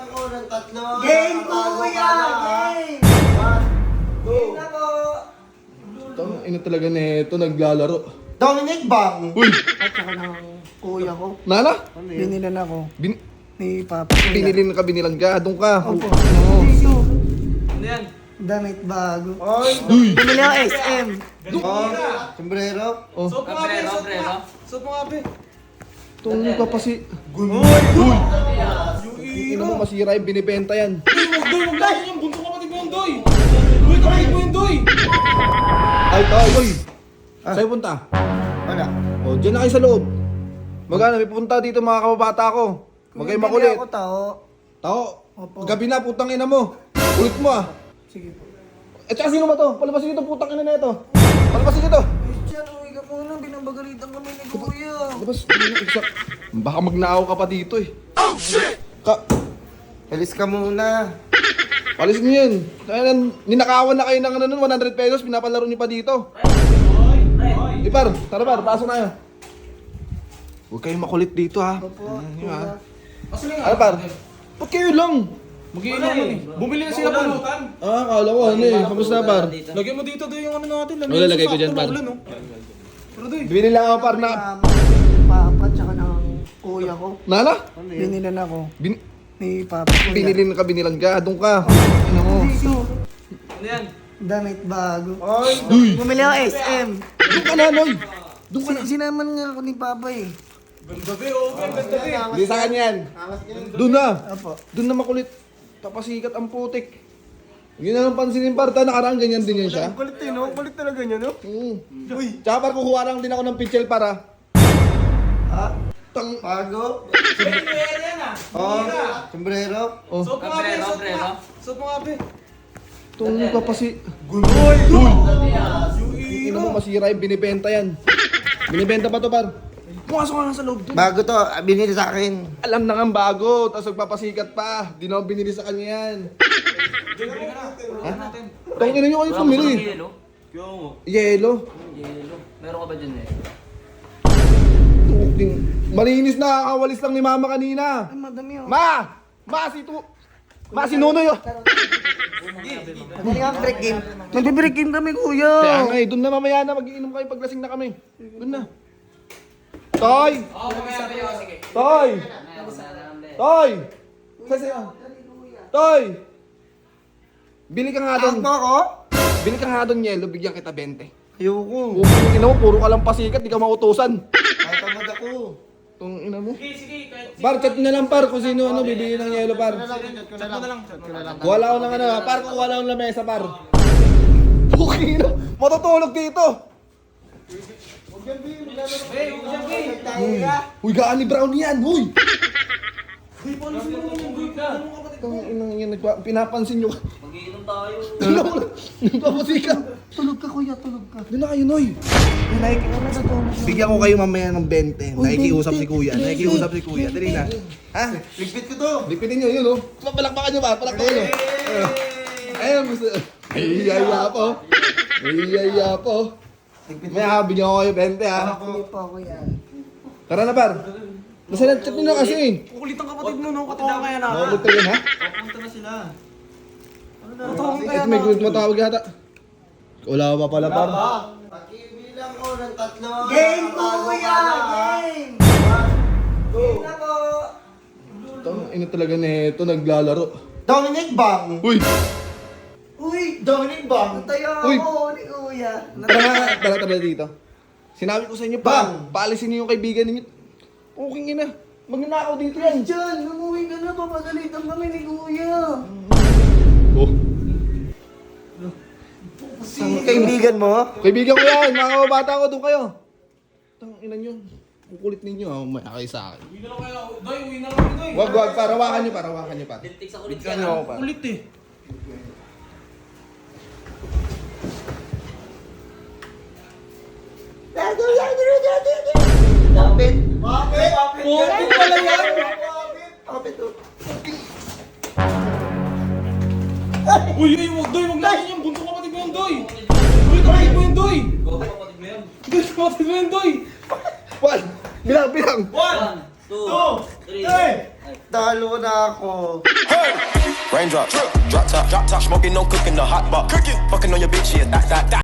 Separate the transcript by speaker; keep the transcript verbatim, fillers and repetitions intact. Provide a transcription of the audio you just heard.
Speaker 1: Bilang ko ng tatlo.
Speaker 2: Game ko kuya! Game! Game na po!
Speaker 3: Tang ina talaga nito naglalaro.
Speaker 1: Dominic Bang.
Speaker 3: Uy!
Speaker 2: At saka ng kuya ko.
Speaker 3: Nana?
Speaker 2: Binilan ako
Speaker 3: Bin
Speaker 2: ni Papa. Kuya.
Speaker 3: binilin ka, binilan ka. Doon ka.
Speaker 2: Opo.
Speaker 3: Oo.
Speaker 4: Ano yan?
Speaker 2: Damit bago.
Speaker 1: Oy.
Speaker 3: Uy!
Speaker 2: Bumili ako S M.
Speaker 1: Oh, sombrero.
Speaker 3: Oh,
Speaker 4: Suot mo nga, pre. Suot mo nga. Suot mo nga, pre.
Speaker 3: tungo ka pa si...
Speaker 1: Gunoy.
Speaker 3: Uy! Ina mo masira yung binibenta yan.
Speaker 4: Uy, wag doy, wag doy. Yung bunso kapatid mo yung doy. Doy, kapatid mo yung doy.
Speaker 3: Ay, ay, uy! Sa'yo punta?
Speaker 1: Wala.
Speaker 3: O, dyan na kayo sa loob. Magana, may pupunta dito mga kababata ko. Huwag kayo makulit.
Speaker 2: Ako tao.
Speaker 3: Tao,
Speaker 2: Opo.
Speaker 3: gabi na, putang ina mo. Ulit mo ah.
Speaker 2: Sige po.
Speaker 3: Eh, tsaka sino ba to? Palabasin dito, putang ina na ito. Palabasin dito.
Speaker 2: Christian, uwi ka muna. Binabagalitan kami ni kuya.
Speaker 3: Labas, exact. Baka magnakaw ka pa dito eh. Oh, shit! Ka,
Speaker 1: Alis ka muna.
Speaker 3: palis niyo yan. Kaya ninakawan na kayo ng ano nun, one hundred pesos, pinapalaro niyo pa dito. Eh, par, tara par, pasok na kayo. Huwag kayong makulit dito ha.
Speaker 2: Opo.
Speaker 3: Ano ha?
Speaker 2: Kuya.
Speaker 3: Ano par? Ba't kayo lang?
Speaker 4: Mag-iinom man eh. Bumili na sila pulutan.
Speaker 3: Ah, kala ko ano eh. Kamusta par?
Speaker 4: Lagyan mo dito doy yung ano natin.
Speaker 3: Wala, lagay ko dyan, par.
Speaker 4: Pero doy.
Speaker 3: Bibili lang ako par na...
Speaker 2: Mama, Papa, tsaka ng kuya ko.
Speaker 3: Nana?
Speaker 2: Binilan ako
Speaker 3: Bin
Speaker 2: ni Papa. Kuya.
Speaker 3: binilin ka, binilan ka. Doon ka. Ano mo?
Speaker 4: Ano yan?
Speaker 2: Damit bago.
Speaker 1: Oy.
Speaker 3: Uy!
Speaker 2: Bumili ako S M.
Speaker 3: Doon ka na, Noy! Doon ka na.
Speaker 2: Sin- Sinaman nga ako ni Papa eh.
Speaker 4: Ganda be, okay. Ganda be.
Speaker 3: Hindi sa kanya yan.
Speaker 1: Angas ka rin.
Speaker 3: Doon na.
Speaker 2: Apo.
Speaker 3: Doon na makulit. Tapasikat ang putik. Yun na lang pansinin parta, nakaraan ganyan din yan siya.
Speaker 1: Kulit eh, no? Kulit talaga niya, no?
Speaker 3: Oo. Tsaka par, kukuha lang din ako ng pitchel para.
Speaker 1: Ha?
Speaker 3: Tang...
Speaker 1: Bago.
Speaker 4: Pwede mo yan ah.
Speaker 1: Oh, sombrero.
Speaker 3: Oh,
Speaker 4: Suot mo nga, pre. Suot mo nga. Suot mo nga, pre.
Speaker 3: tungo ka pa si...
Speaker 1: Gunoy.
Speaker 3: Ina mo masira yung binibenta yan. Binibenta pa to par. Pumasok ka na sa loob doon.
Speaker 1: Bago to, binili sa akin.
Speaker 3: Alam na nga bago, tapos magpapasikat pa. Di na ako binili sa kanya yan.
Speaker 4: Bili ka na. Bili natin.
Speaker 3: Tangin na nyo kayo pumili.
Speaker 5: Yelo?
Speaker 3: Yelo.
Speaker 5: Yelo. Meron ka ba dyan eh?
Speaker 3: Tuking. Malinis na, kakawalis lang ni mama kanina.
Speaker 2: Ay, madami oh.
Speaker 3: Ma! Ma, si tu... Ma, si Nunoy oh.
Speaker 2: Dali nga break game. Magbe-break game kami kuya.
Speaker 3: Kaya nga eh, doon na mamaya na, mag-iinom kayo paglasing na kami. Doon na. Toy!
Speaker 4: Oo, mamaya pre. Oh, sige.
Speaker 3: Toy! Toy! Kasi Toy! Bili ka nga doon.
Speaker 1: Ako ako?
Speaker 3: Bili ka nga doon, Yelo, bigyan kita twenty.
Speaker 1: Ayoko.
Speaker 3: Huwag mo, ina mo, puro ka lang pasikat, di ka mautusan.
Speaker 1: Ay, tamad ako.
Speaker 3: Itong ina mo.
Speaker 4: Sige, sige. Kahit
Speaker 3: Par, chat na lang par, kung sino ano, bibili ng Yelo par.
Speaker 4: chat mo na lang. Chat mo na lang.
Speaker 3: Wala ko ng ano, par, kung wala akong lamesa par. Puking ina, matutulog dito.
Speaker 4: Hey, huwag dyan, pre.
Speaker 3: Uy, gaan ni Brown yan, huy!
Speaker 4: Uy, paano sino mo yung doy ka?
Speaker 3: Itong inang yan, nagpa- pinapansin nyo.
Speaker 5: Mag-iinom tayo.
Speaker 3: Doon ako lang, nagpapasikat.
Speaker 2: Tulog ka kuya, tulog ka.
Speaker 3: Doon na kayo, Noy.
Speaker 2: Like, ano sa tulog?
Speaker 3: Bigyan ko kayo mamaya ng twenty.
Speaker 2: Uy,
Speaker 3: Nakikiusap si
Speaker 2: twenty,
Speaker 3: Kuya.
Speaker 2: twenty,
Speaker 3: Nakikiusap si Kuya. Dali na. Ha?
Speaker 1: Ligpit ko to.
Speaker 3: Lipitin nyo yun, oh. Palakpakan nyo ba? Palakpakan nyo. Ayun, gusto. May yaya po. May yaya po. May ha, bigyan ko kayo twenty, ha.
Speaker 2: Sige po kuya.
Speaker 3: Tara na, par. Nasa na, chat nyo na kasi.
Speaker 4: Kukulit ang kapatid mo, no? Katawa kaya na.
Speaker 3: Makakot ka yun, ha?
Speaker 1: Punta na sila.
Speaker 4: Katawa kaya
Speaker 3: Ito
Speaker 4: na.
Speaker 3: may group matawag yata. Wala pa pala, par.
Speaker 1: Pakibilang ko ng tatlo.
Speaker 2: Game ko kuya! Game! Game na po!
Speaker 3: Tang ina talaga nito naglalaro.
Speaker 1: Dominic Bang.
Speaker 3: Uy!
Speaker 2: Uy!
Speaker 1: Dominic Bang.
Speaker 2: Tayo
Speaker 3: Uy!
Speaker 2: ako ni kuya.
Speaker 3: Tara nga, tara tara dito. Sinabi ko sa inyo, pa,
Speaker 1: Bang!
Speaker 3: paalisin niyo yung kaibigan ninyo. Puking ina. Magnanakaw dito yan.
Speaker 2: Diyan, umuwi ka na, papagalitan kami ni kuya.
Speaker 3: Oh.
Speaker 1: Ang kaibigan mo?
Speaker 3: Kaibigan ko yan, mga kababata ko, doon kayo. Tang ina nyo. Kukulit ninyo, ha, umaya kayo sa akin.
Speaker 4: Uwi na lang kaya. Doy, uwi na lang, doy.
Speaker 3: Wag, wag, parawakan nyo, parawakan nyo, pa.
Speaker 5: Lintik sa kulit ka
Speaker 3: Bigyan nyo
Speaker 5: na.
Speaker 3: ako, pa.
Speaker 4: Kulit eh.
Speaker 1: Kapit. Kapit.
Speaker 4: Putik pala yan.
Speaker 1: Kapit. oh.
Speaker 4: Uy, uy, wag doy, wag natin yung bunso kapatid mo yung doy. Uy, kapatid mo yung doy.
Speaker 5: Go, kapatid mo yan.
Speaker 4: Doy, kapatid mo yung doy.
Speaker 3: One! Bilang, bilang!
Speaker 4: One,
Speaker 5: Two. Three.
Speaker 1: Talo na ako.
Speaker 6: Raindrop, drop top, drop top, smoking, no cooking, the hot box. Cooking, fucking on your bitch, yeah, that, that, that.